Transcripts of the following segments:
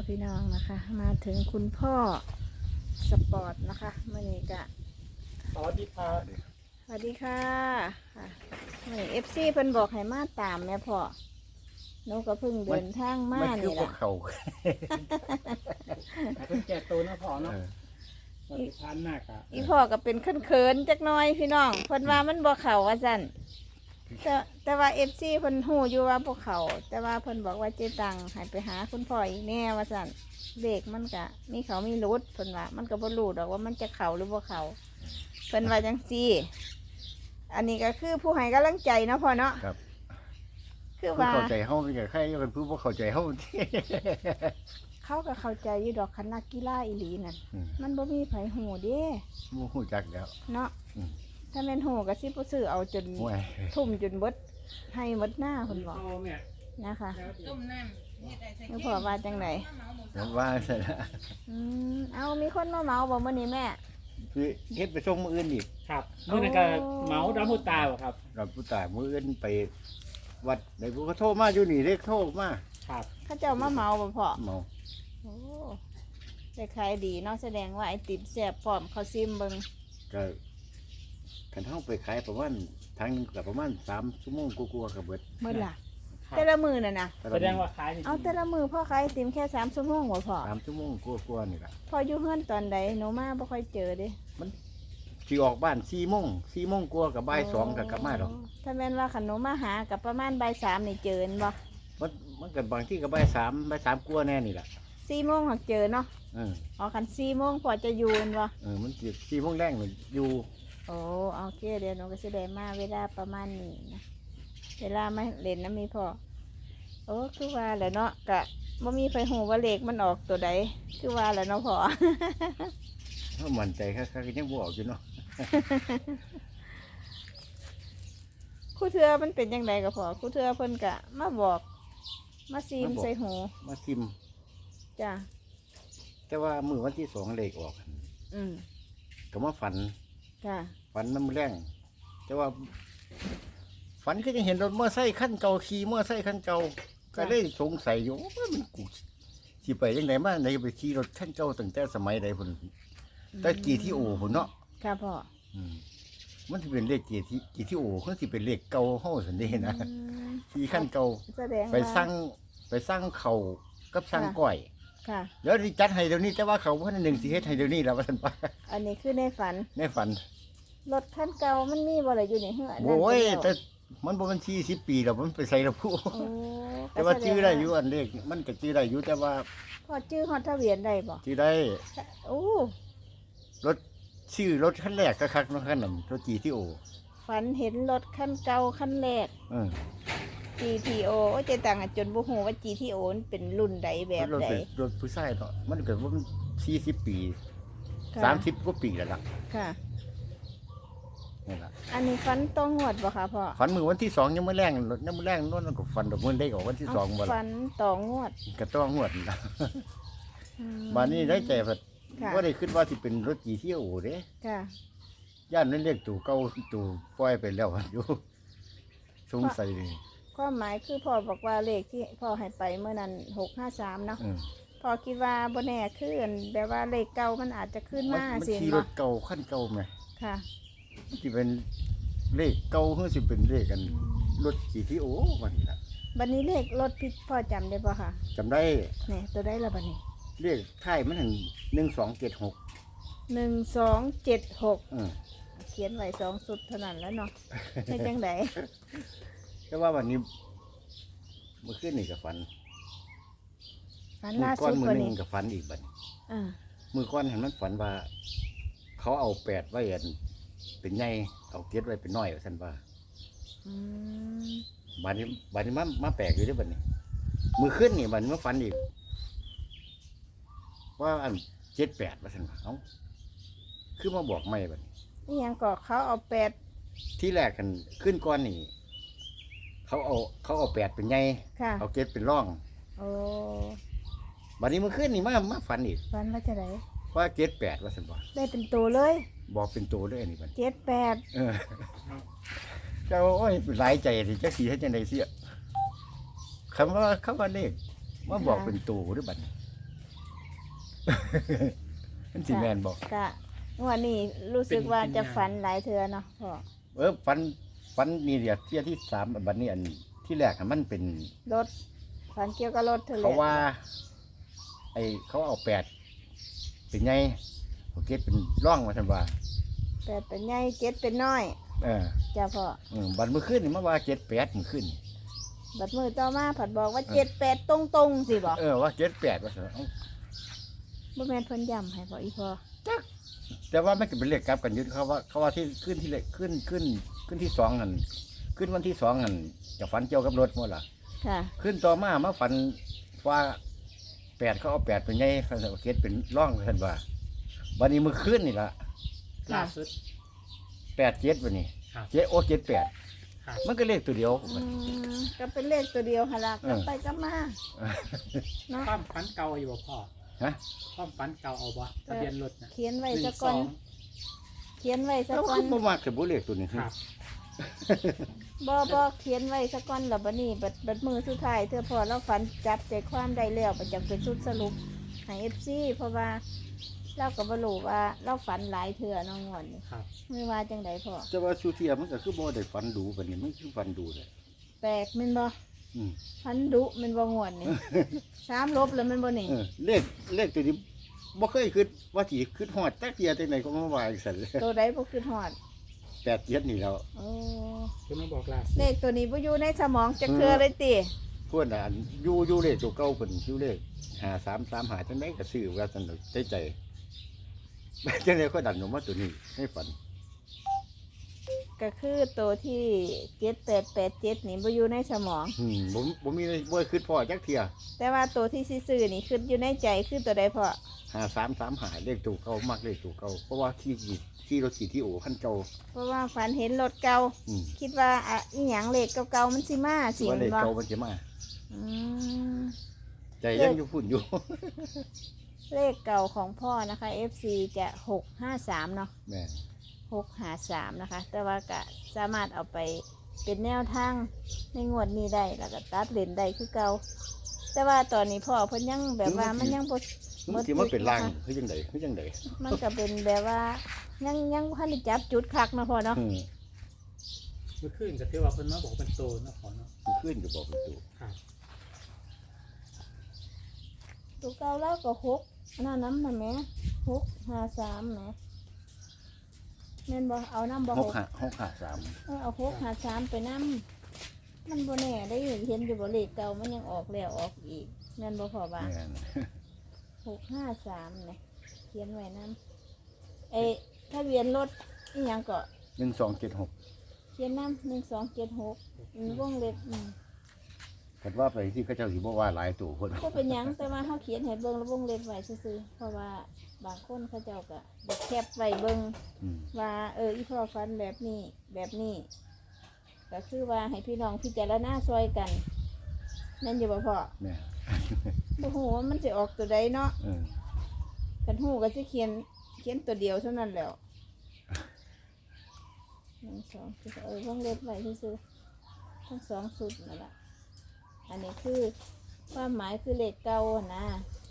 พี่น้องนะคะมาถึงคุณพ่อสปอร์ตนะคะเมื่อนี้กะสวัสดีครับสวัสดีค่ะค่ะเมื่อเอฟซีเพิ่นบอกให้มาตามแม่พ่อหนูก็เพิ่งเดินทางมามันคือนี่พวล่ะกเขาเพิ่งแก่ตัวนะพ่อเนาะปฏิพันธ์หนักอ่ะอีพ่อก็เป็นเขินๆจักหน้อยพี่น้องเพิ่นว่ามันบ่เข้าว่าซั่นแต่ว่าเอฟซีเพิ่นฮู้อยู่ว่าบ่เข้าแต่ว่าเพิ่นบอกว่าเจ๊ตังให้ไปหาคุณพ่ออีกแน่ว่าซั่นเลขมันก็มีเขามีรุดเพิ่นว่ามันก็บ่รู้ดอกว่ามันจะเข้าหรือบ่เข้าเพิ่นว่าจังซี่ อันนี้ก็คือผู้ให้กำลังใจเนาะพ่อเนาะครับคือผู้ว่าเข้าใจเฮาเป็นใครเป็นผู้บ่เข้าใจเฮาเขาก็เข้าใจอยู่ดอกคันนักกีฬาอีหลีนั่นอืมมันบ่มีไผหูเด้บ่ฮู้จักแล้วเนาะอืมถ้าแม่นหูก็สิบ่ซื้อเอาจนห่วยทุ่มจนเบิดให้หมดหน้าเพิ่นบอกโตแม่นะคะต้มน้ำเฮ็ดได้ใส่แล้วพ่อว่าจังไดมันว่าซั่นล่ะเอามีคนมาเหมาบ่มื้อนี้แม่คือเฮ็ดไปส่งมื้ออื่นอีกครับเมื่อนั้นก็เหมาดามุตาบ่ครับเราผู้ตายมื้ออื่นไปวัดไหนผู้เขาโทรมาอยู่นี่เด้โทรมาครับเขาเจ้ามาเหมาบ่พ่อเมาโอ้ได้ขายดีเนาะแสดงว่าไอติมแซ่บพร้อมเขาซิมเบิ่งก็คันเฮาไปขายประมาณทางหนึงก็ประมาณ3ชั่วโมงกว่าๆก็เบิดมื้อล่ะครับแต่ละมื้อน่ะนะแสดงว่าขายนี่เอาแต่ละมื้อพ่อขายไอติมแค่3ชั่วโมงบ่พ่อ 3ชั่วโมงกว่าๆนี่ล่ะพออยู่เฮือนตอนใดหนูมาบ่ค่อยเจอเด้สิออกบ้าน4โมง4โมงกว่าก็บ่าย2ก็กลับมาดอกถ้าแม่นว่าขนมมาหากับประมาณบ่ายสามนี่เจอบ่มันก็บางที่ก็บ่าย3กว่าแน่นี่ล่ะ 4โมงหักเจอเนาะเอออ๋อคัน4โมงพอจะอยู่แม่นบ่มันสิ4โมงแรงนี่อยู่โอ้โอเคเดี๋ยวหนูก็สิได้มาเวลาประมาณนี้นะเวลามาเล่นน้ำมีพ่อโอ้คือว่าแหละเนาะกะบ่มีไฟหูว่าเลขมันออกตัวใดคือว่าแหละเนาะพ่อเฮามั่นใจคักๆยังบ่ออกอยู่เนาะครู่เทือมันเป็นยังไงกับพ่อครู่เทือเพิ่นกะมาบอกมาซีมใส่หูมาซิมจ้ะแต่ว่ามือวันที่2เลขออกอืมก็มาฝันจ้ะฝันน้ำแรงแต่ว่า ฝันก็ยังเห็นรถมอไซค์คันเก่าขี่มอไซค์คันเก่าก็เลยสงสัยอยู่ว่ามันกูสิไปยังไงมาไหนไปขี่รถคันเก่าตั้งแต่สมัยใดพุ่นแต่กี่ที่โอพุ่นเนาะค่ะพ่ออืมมันสิเป็นเลขกี่ที่โอคือสิเป็นเลขเก่าเฮาซั่นเด้นะอืมขี่คันเก่าแสดงไปว่าสั่งเขาวกับสั่งก้อยค่ะเดี๋ยวสิจัดให้เดี๋ยวนี้แต่ว่าเขาบ่ทันหนึ่งสิเฮ็ดให้เดี๋ยวนี้แล้วว่าซั่นป่ะอันนี้คือในฝันในฝันรถคันเก่ามันมีบ่ล่ะอยู่ในเฮือนโอ้ยนั่นแต่เดีวมันบ่มัน40 ปีแล้วมันไปใส่ละผู้โอ้แต่ว่าชื่อได้อยู่อันเลขมันก็ชื่อได้อยู่แต่ว่าพอชื่อฮอดทะเบียนได้บ่ชื่อได้โอ้รถชื่อรถคันแรกคักๆเนาะคันนั้นรถ GTO ฝันเห็นรถคันเก่าคันแรกเออ GTO โอ้ยเจตังอะจนบ่ฮู้ว่า GTO มันเป็นรุ่นใดแบบรถใดเป็นรถผู้ชายเนาะมันก็ว่ามัน40 ปีค่ะ 30กว่าปีแล้วล่ะค่ะนี่ล่ะอันนี้ฝันต้องงวดบ่คะพ่อฝันมื้อวันที่2ยังมื้อแรงรถยังมื้อแรงนั่นก็ฝันดอกมื้อได้ก็วันที่2บ่ฝัล่ะนต่องวดก็ต้องงวดล่ะอืมบัดนี้ได้ใจว่าค่ะบ่ได้คิดว่าสิเป็นรถ GTO เด้ค่ะย่านนั้นเรียกตู่เก่าตู่ปล่อยไปแล้วอยู่สงสัยเลยความหมายคือพ่อบอกว่าเลขที่พ่อให้ไปเมื่อนั้น653เนาะอืมพ่อคิดว่าบ่แน่คืออันแบบว่าเลขเก่ามันอาจจะขึ้นมามันสิขี่รเนาะถเก่าคันเก่าไหมค่ะสิเป็นเลขเก่าหรือสิเป็นเลขกันรถกี่ที่โอ้วันนี้ล่ะบัดนี้เลขรถพี่พ่อจำได้ป่ะคะจำได้เนี่ยตัวได้ละบัดนี้เลขท้ายมันหัน1276 1276 อืมเขียนไว้2สุดเท่านั้นแล้วเนาะให้จังไดแต่ว่าวันนี้เมื่อคืนนี่ก็ฝันฝันมืล่าก้อสุนดมืกอว่าหนึนี้งก็ฝันอีกบัดนี้อ่ามือก้อนเห็นมันฝันว่า เขาเอา8ไว้อันเป็นใหญ่เอา7ไว้เป็นน้อยว่าซั่นว่าอืมบัดนี้มาแปลกอยู่เด้อบัดนี้ มือขึ้นนี่บัดนี้มาฝันอีก ว่าอัน78ว่าซั่นว่าเอ้าคือมาบอกไม่บัดนี้นี่ยังก็เขาเอาที่แรกกันขึ้นก้อนนี่เขาเอา8เป็นใหญ่ 8ค่ะเอา7เป็นร่องโอ้บัดนี้มือขึ้นนี่มาฝันอีกฝันว่าจะไดว่า78ว่าซั่นว่าได้เป็นตัวเลยบอกเป็นตัวด้วยอันนี้บัด 78 เออเจ้าโอ้ยหลายใจสิจักสิเฮ็ดจังได๋เสียคำว่าเลขมาบอกเป็นตัวหรือบัดนี้มันสิแม่นบ่กะงวดนี้รู้สึกว่าจะฝันหลายเทื่อเนาะพ่อฝันนี่เดี๋ยวเที่ยที่3บัดนี้อันที่แรกอะมันเป็นรถฝันเกี่ยวกับรถเธอเลยเขาว่าเขาเอา8เป็นไงเขาเก็บเป็นร่องว่าซั่นว่าแต่เป็นใหญ่เจ็ดเป็นน้อยเออจ้าพ่อบัดมื้อคืนนี่มาว่า78มื้อคืนบัดมือต่อมาผัดบอกว่า78ตรงๆสิบอกว่า78ว่าซั่นเอ้าบ่แม่นเพิ่นย้ำให้พ่ออีพ่อแต่ว่ามันก็เป็นเลขกลับกันอยู่เขาว่าที่ขึ้นที่เลขขึ้นที่2นั่นขึ้นวันที่2นั่นจะฝันเกี่ยวกับรถหมดล่ะค่ะขึ้นต่อมาฝันว่า8เขาเอา8เป็นไงเขาเก็บเป็นร่องว่าซั่นว่าบัดนี้มื้อคืนนี่ล่ะล่าสุด 87วันนี้ครับ 78 ครับมันก็เลขตัวเดียวก็เป็นเลขตัวเดียวหนละกลับไปกลับมาเนาะความฝันเก่าอยู่บ่พ่อฮะความฝันเก่าเอาบ่ทะเบียนรถน่ะเขียนไว้ 1 ซะก่อน เขียนไว้ซะแล้วก่อคืนอบ่มักแต่บ่เลขตัวนี้ 2ครับบ่เขียนไว้ซะก่อนแล้วบัดนี้บัดมือสุดท้ายเธอพอเราฝันจับใจความได้แล้วประจังเป็นชุดสรุปให้ FC เพราะว่าเราก็บ่รู้ว่าเราฝันหลายเทื่อเน้องงอนนี่ครับไม่ว่าจังไดพ่อแต่ว่าสุเทียมันก็คือบ่ได้ฝันดูบัดนี้มันคือฝันดูเลยแปลกแม่นบ่อืมฝันดุแม่นบ่งวนนี่ 3ลบแล้วแม่นบ่นี่เลขตัวนี้บ่เคยคิดว่าสิคิดฮอดจักเที่ยจังไดก็มาว่าจังซั่นเลยตัวใดบ่คือฮอด 87นี่แล้วโอ้เพิ่นมาบอกล่าสุดเลขตัวนี้บ่อยู่ในสมองจักเทื่อเลยติพวกน่ะอันอยู่เลขตัวเก่าเพิ่นอยู่เลข5335จังไดก็ซื้อว่าซั่นดอกใจจังได๋ก็ดันออกมาตัวนี้ให้ฝันก็คือตัวที่7887นี่บ่อยู่ในสมองบ่มีบ่คิดพอจักเที่ยแต่ว่าตัวที่สิซื้อนี่คืออยู่ในใจคือตัวใดพ่อ 5335เลขตัวเก่ามักเลขตัวเก่าเพราะว่าขี่รถขี่ที่โอคันเก่าเพราะว่าฝันเห็นรถเก่าอืมคิดว่าอ่ะอีหยังเลขเก่าๆมันสิมาสิว่าเลขบ่เก่ามันสิมาอืมใจยังอยู่พุ่นอยู่เลขเก่าของพ่อนะคะ FC จะ653เนาะแม่ 653นะคะ แต่ว่าก็สามารถเอาไปเป็นแนวทางในงวดนี้ได้แล้วก็ตัดเลนได้คือเก่าแต่ว่าตอนนี้พ่อเพิ่นยังแบบว่ามันยังบ่มันสิมาเป็นลางคือจังไดคือจังไดมันก็เป็นแบบว่ายังบ่ทันได้จับจุดคักเนาะพ่อเนาะเมื่อคืนก็ถือว่าเพิ่นมาบอกเป็นโตเนาะพ่อเนาะมันขึ้นก็บอกเป็นตัวครับตัวเก่าแล้วก็6อันนั้นนำแหม653แหมแม่นบ่เอานำบ่ 653 เอา653ไปนำมันบ่แน่ได้เห็นอยู่บ่เลขเก่ามันยังออกแล้วออกอีกแม่นบ่พ่อว่าแม่น 653เนี่ยเขียนไว้นำทะเบียนรถอีหยังก็ 1276 เขียนนำ1276วงเล็บคันว่าไปที่เขาเจ้าสิบ่ว่าหลายตัวคนก็เป็นหยังแต่ว่าเขาเขียนให้เบิ่งแล้ววงเล็บไว้ซื่อๆเพราะว่าบางคนเขาเจ้าก็อยากแคปไว้เบิ่งอืมว่าอีพ่อฟันแบบนี้ก็คือว่าให้พี่น้องพิจารณาซอยกันนั่นอยู่บ่พ่อแม่บ่ฮู้ว่ามันสิออกตัวใดเนาะเออคันฮู้ก็สิเขียนตัวเดียวเท่านั้นแหล้ว1 2คือวงเล็บไว้ซื่อๆทั้งสองสุดนั่นล่ะอันนี้คือความหมายคือเลขเก่านะ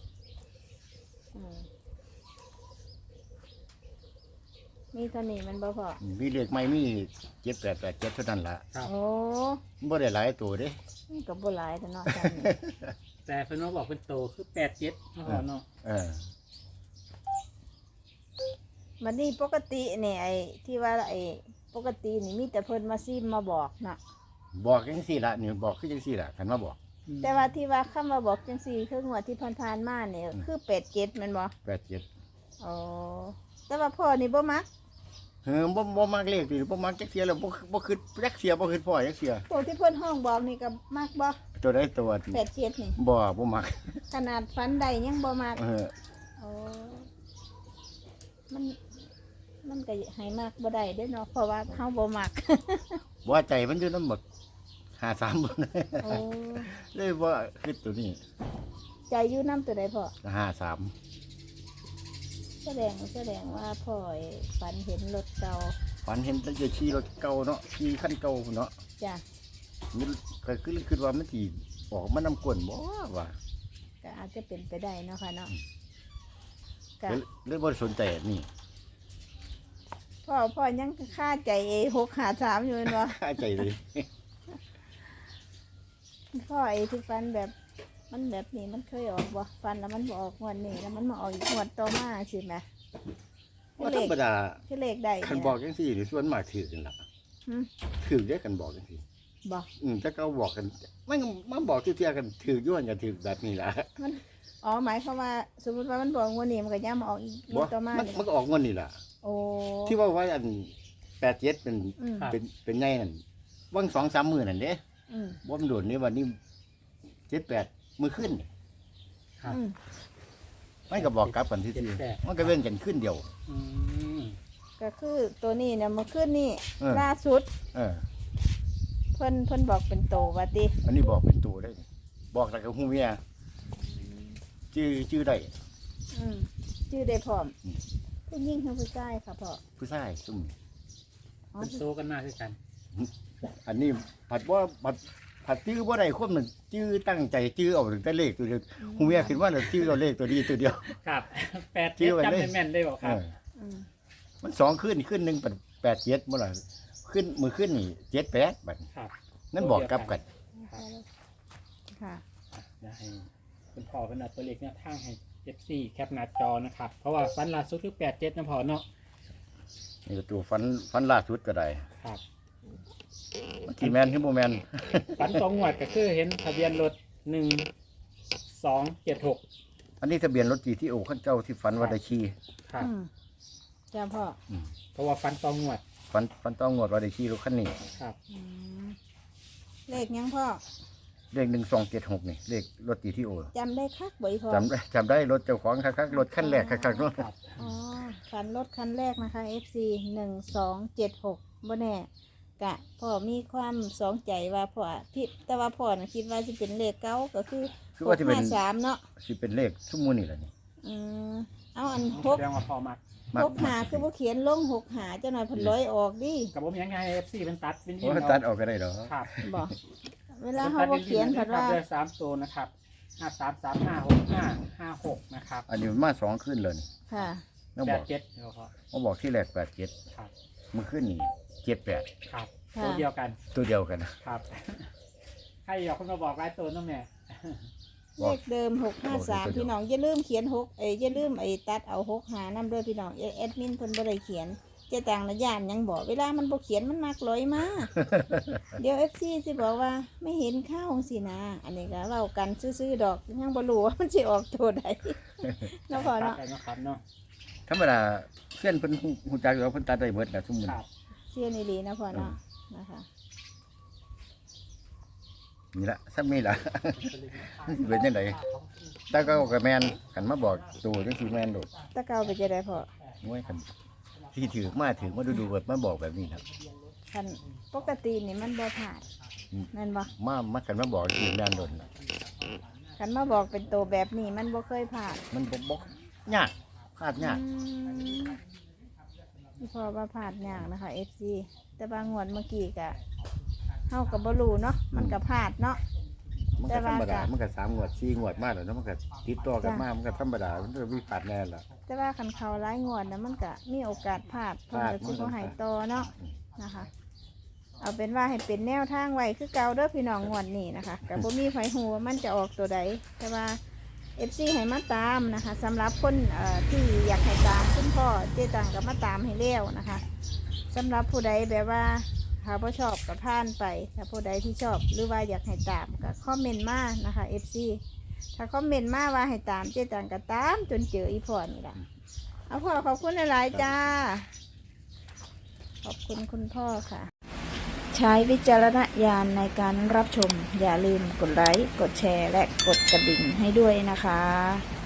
มีเท่านี้มันบ่พอมีเลขใหม่มี7887เท่านั้นล่ะครับโอ้บ่ได้หลายตัวเด้มันก็บ่หลายแต่เนาะจำนี่แต่เพิ่นมาบอกเป็นโตคือ87เนาะพ่อเนาะเออมันนี่ปกติเนี่ยที่ว่าปกตินี่มีแต่เพิ่นมาซิมมาบอกนะบอกจังซี่ล่ะนี่บอกคือจังซี่ล่ะคันมาบอกแต่ว่าที่ว่าคำมาบอกจังซี่คืองวดที่ผ่านๆมาเนี่ยคือ87แม่นบ่ 87 อ๋อแต่ว่าพ่อนี่บ่มักบ่มักเลขนี่บ่มักจักเที่ยแล้วบ่คิดจักเที่ยบ่คิดพอจักเที่ยพวกที่เพิ่นห้องบอกนี่ก็มักบ่ตัวใดตัวที่ 87นี่บ่มักขนาดฟันใดยังบ่มักเออโอ้มันก็ให้มากบ่ได้เด้อเนาะเพราะว่าเฮาบ่มักว่าใจมันอยู่นำหมด53บ่โอ้เลยว่าคิดตัวนี้ใจอยู่น้ำตัวใดพ่อ 53 แสดงว่าพ่อฝันเห็นรถเก่าฝันเห็นตั้งแต่ขี่รถเก่าเนาะขี่คันเก่าเนาะจ้ะมันก็คิดว่ามันสิออกมานำกวนบ่ว่าก็อาจจะเป็นไปได้เนาะค่ะเนาะกะเลยบ่ได้สนใจอันนี่พ่อยังค่าใจ653อยู่แม่นบ่ค่าใจเลยพ่อที่ฟันแบบมันแบบนี้มันเคยออกบ่ฟันแล้วมันบ่ออกงวดนี้แล้วมันมาออกอีกงวดต่อมาสิแหมว่าธรรมดาคือเลขได้คันบอกจังซี่นี่ส่วนมากถือกันล่ะหึถือได้กันบอกจังซี่บ่ถ้าเขาบอกกันมันบอกที่เที่ยกันถือย้อนกันถือแบบนี้ล่ะมันอ๋อหมายความว่าสมมุติว่ามันบอกงวดนี้มันก็ย่ามาออกอีกงบ่วดต่อมามันนี่มันก็ออกงวดนี่ล่ะโอ้ที่ว่าอัน87เป็นอืมเป็นไงนั่นวัง2-3มื้อนั่นเด้อืมบ่มันโดนนี่วันนี้78มื้อขึ้นครับอืมมันก็บอกกลับกันที่ 78 มันก็เว้นกันขึ้นเดียวอืมก็คือตัวนี้เนี่ยเมื่อคืนนี่เออล่าสุดเออเพิ่นบอกเป็นโตว่าติอันนี้บอกเป็นตัวได้ บอกแล้วก็ฮู้เมียชื่อได้อืมชื่อได้พร้อมอืมผู้หญิงคือผู้ชายค่ะพ่อผู้ชายซุ่มอ๋อเป็นโซกันมากคือกันอันนี้ผัดชื่อบ่ได้คนมันชื่อตั้งใจชื่อเอาถึงแต่เลขตัวเดียวฮู้เมียคิดว่าน่ะชื่อเอาเลขตัวนี้ตัวเดียวครับ8 ชื่อไว้จำเลยแม่นๆได้บอกครับอืมมัน2ขึ้นนึงเป็น87บ่ล่ะขึ้นมือขึ้นนี่78บัดครับนั่นบอกกลับกันค่ะเดี๋ยวให้คุณพ่อเป็นเอาตัวเลขเนี่ยทางให้ FC แคปหน้าจอนะครับ เพราะว่าฟันล่าสุดคือ87นะพ่อเนาะนี่ก็ตัวฟันล่าสุดก็ได้ครับกี่แม่นคือบ่แม่นฟัน2งวดก็คือเห็นทะเบียนรถ1276 อันนี้ทะเบียนรถ GTO คันเจ้าที่ฝันว่าได้ขี่ครับอืมจ้าพ่อเพราะว่าฟัน2งวดฝันต้องงวดว่าได้ขี่รถคันนี้ครับอืมเลขยังพ่อเลข1276นี่เลขรถ GTO จำได้คักบ่อยพ่อจำได้รถเจ้าของคักๆรถคันแรกคักๆเนาะครับอ๋อฝันรถคันแรกนะคะ FC 1276บ่แน่กะพ่อมีความสองใจว่าพ่อที่แต่ว่าพ่อน่ะคิดว่าจะเป็นเลขเก้าก็คือคือว่าสิเป็น 653เนาะสิเป็นเลขซุมมูนี่แหละนี่อืมเอาอันแสดงว่าพอมักมาก 6 คือบ่เขียนลง6 เจ้าหน่อยเพิ่นร้อยออกดิกับผมยังไง FC เป็นตัดเป็นโอ้ตัดออกก็ได้เหรอครับบ่เวลาเฮาบ่เขียนเพิ่นว่าเลือก3ตัวนะครับ53356556นะครับอันนี้มันมา2ขึ้นเลยนี่ค่ะต้องบอก 87เดี๋ยวพอมาบอกที่แรก87 ครับมื้อคืนนี่78 ครับค่ะตัวเดียวกันตัวเดียวกันครับ ใครอยากคนมาบอกหลายตัวน้องแม่เลขเดิม653พี่น้องอย่าลืมเขียน6อย่าลืมตัดเอา6หานำด้วยพี่น้องแอดมินเพิ่นบ่ได้เขียนเจ๊ต่างนะย่านยังบอกเวลามันบ่เขียนมันมักลอยมา เดี๋ยว FC สิบอกว่าไม่เห็นข้าวสินะ อันนี้ก็เว้ากันซื่อๆดอกยังบ่รู้ว่ามันสิออกตัวใด เนาะพ่อตัดเนาะไปเนาะครับเนาะธรรมดาเพื่อนเพิ่นฮู้จักอยู่ว่าเพิ่นตัดได้เบิดน่ะซุมมื้อครับเสียนี่ดีนะพ่อเนาะนะคะนี่ละซ้ำนี่ล่ะ เป็นจังไดแต่ก็แม่นคันมาบอกตัวจังสิแม่นโดดตะเกาไปจะได้พ่อโอ้ยคันที่ถือมาดูๆแบบมาบอกแบบนี้ครับคันปกตินี่มันบ่ผ่านอืมแม่นบ่มากันมาบอกสิแม่นโดดน่ะคันมาบอกเป็นตัวแบบนี้มันบ่เคยผ่านมันบ่ยากพลาดยากที่พ่อว่าผ่านยากนะคะ FC แต่บางงวดเมื่อกี้ก็เฮาก็บ่รู้เนาะมันก็พลาดเนาะมันก็ธรรมดามันก็3งวด4งวดมาแล้วเนาะมันก็ติดต่อกันมามันก็ธรรมดามันก็มีพลาดแน่ล่ะแต่ว่าคันเขาหลายงวดนะมันก็มีโอกาสพลาดเพิ่นก็สิบ่ให้ต่อเนาะนะคะ เอาเป็นว่าให้เป็นแนวทางไว้คือเก่าเด้อพี่น้องงวดนี้นะคะก็บ่มีไผฮู้ว่ามันจะออกตัวใดแต่ว่า FC ให้มาตามนะคะสำหรับคนที่อยากให้ตามคุณพ่อเจ๊ตังก็มาตามให้แล้วนะคะสำหรับผู้ใดแบบว่าถ้าบ่ชอบก็ผ่านไปถ้าผู้ใดที่ชอบหรือว่าอยากให้ตามก็คอมเมนต์มานะคะ FC ถ้าคอมเมนต์มาว่าให้ตามเจ๊ตังก็ตามจนเจออีพ่อนี่ล่ะเอาพ่อขอบคุณหลายๆจ้าขอบคุณคุณพ่อค่ะ ใช้วิจารณญาณในการรับชมอย่าลืมกดไลค์กดแชร์และกดกระดิ่งให้ด้วยนะคะ